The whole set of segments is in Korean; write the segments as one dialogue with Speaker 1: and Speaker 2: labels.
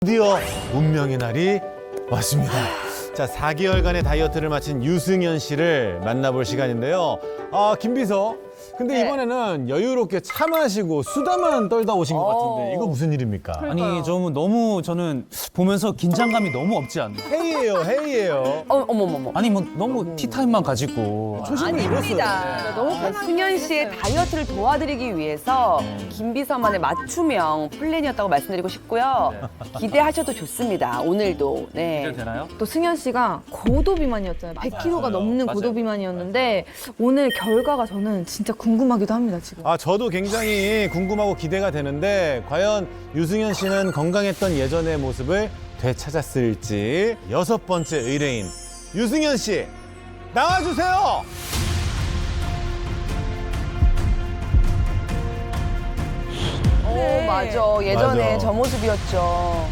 Speaker 1: 드디어 운명의 날이 왔습니다. 자, 4개월간의 다이어트를 마친 유승현 씨를 만나볼 시간인데요. 김 비서. 근데
Speaker 2: 네.
Speaker 1: 이번에는 여유롭게 차 마시고 수다만 떨다 오신 것 같은데 이거 무슨 일입니까?
Speaker 3: 아니 좀 너무 저는 보면서 긴장감이 너무 없지 않나.
Speaker 1: 회의예요, 회의예요.
Speaker 2: 어머머머.
Speaker 3: 아니 뭐 너무 티타임만 가지고.
Speaker 2: 아닙니다. 너무 승현 씨의 다이어트를 도와드리기 위해서 김비서만의 맞춤형 플랜이었다고 말씀드리고 싶고요. 기대하셔도 좋습니다. 오늘도. 네.
Speaker 3: 되나요?
Speaker 4: 또 승현 씨가 고도비만이었잖아요. 100kg가 넘는
Speaker 3: 맞아요.
Speaker 4: 고도비만이었는데 오늘 결과가 저는 진짜 궁금하기도 합니다, 지금.
Speaker 1: 저도 굉장히 궁금하고 기대가 되는데 과연 유승현 씨는 건강했던 예전의 모습을 되찾았을지. 6번째 의뢰인 유승현 씨 나와주세요.
Speaker 2: 오, 맞아. 예전에
Speaker 1: 맞아.
Speaker 2: 저 모습이었죠.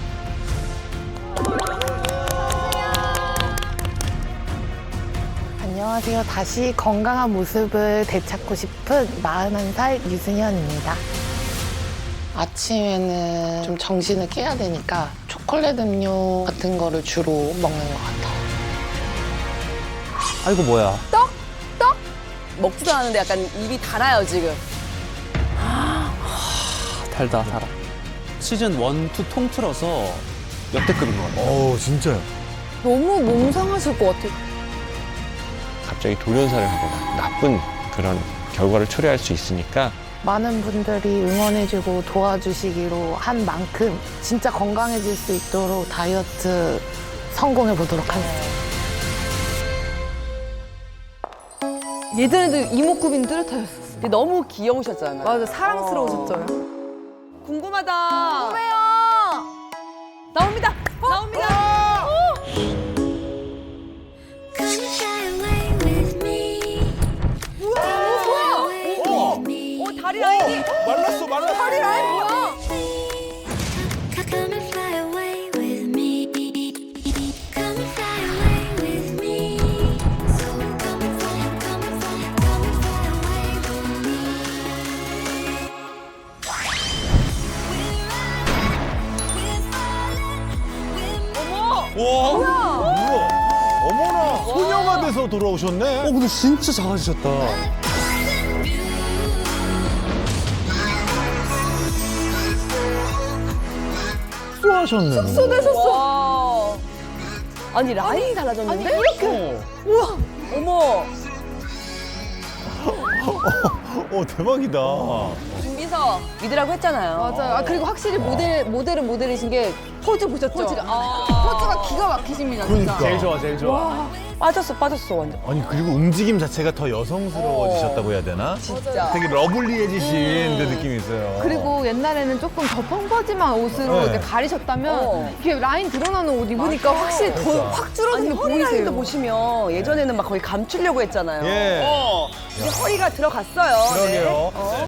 Speaker 5: 안녕하세요. 다시 건강한 모습을 되찾고 싶은 41살 유승현입니다. 아침에는 좀 정신을 깨야 되니까 초콜릿 음료 같은 거를 주로 먹는 것 같아요.
Speaker 3: 아이고 뭐야.
Speaker 2: 먹지도 않았는데 약간 입이 달아요, 지금.
Speaker 3: 달다 달아. 시즌 1, 2 통틀어서 역대급인 것 같아요.
Speaker 1: 진짜요?
Speaker 4: 너무 몸 상하실 것 같아요.
Speaker 6: 갑자기 돌연사를 하거나 나쁜 그런 결과를 초래할 수 있으니까
Speaker 5: 많은 분들이 응원해주고 도와주시기로 한 만큼 진짜 건강해질 수 있도록 다이어트 성공해 보도록 하겠습니다.
Speaker 4: 예전에도 이목구비는 뚜렷하셨었어요.
Speaker 2: 근데 너무 귀여우셨잖아요.
Speaker 4: 맞아, 사랑스러우셨죠.
Speaker 2: 궁금하다. 궁금해요. 나옵니다. 나옵니다.
Speaker 7: Come fly away with me. Fly away with me.
Speaker 2: 다리 라인이.
Speaker 1: 말랐어, 말랐어.
Speaker 2: 다리 라인 뭐야?
Speaker 7: Come and fly away with me. Come and fly away with me. So come and fly, come and fly, come and fly away with me.
Speaker 1: 와, 뭐야? 어머나, 소녀가 돼서 돌아오셨네.
Speaker 3: 근데 진짜 작아지셨다.
Speaker 1: 숙소하셨네.
Speaker 2: 와. 아니 라인이 달라졌는데? 이렇게. 우와. 어머.
Speaker 1: 대박이다.
Speaker 2: 준비서 믿으라고 했잖아요.
Speaker 4: 맞아요. 그리고 확실히 모델은 모델이신 게 포즈 보셨죠? 포즈가 기가 막히십니다, 진짜.
Speaker 1: 그러니까.
Speaker 3: 좋아 제일 좋아.
Speaker 2: 빠졌어 완전.
Speaker 1: 아니, 그리고 움직임 자체가 더 여성스러워지셨다고 해야 되나?
Speaker 2: 진짜.
Speaker 1: 되게 러블리해지신 그 느낌이 있어요.
Speaker 4: 그리고 옛날에는 조금 더 펑퍼짐한 옷으로
Speaker 1: 네.
Speaker 4: 이렇게 가리셨다면
Speaker 2: 어.
Speaker 4: 이렇게 라인 드러나는 옷 입으니까 확실히 더 확 줄어든
Speaker 2: 아니
Speaker 4: 게
Speaker 2: 허리 라인도
Speaker 4: 보이세요.
Speaker 2: 보시면 예전에는 막 거의 감추려고 했잖아요.
Speaker 1: 예.
Speaker 2: 이제 허리가 들어갔어요.
Speaker 1: 그러게요.
Speaker 2: 네.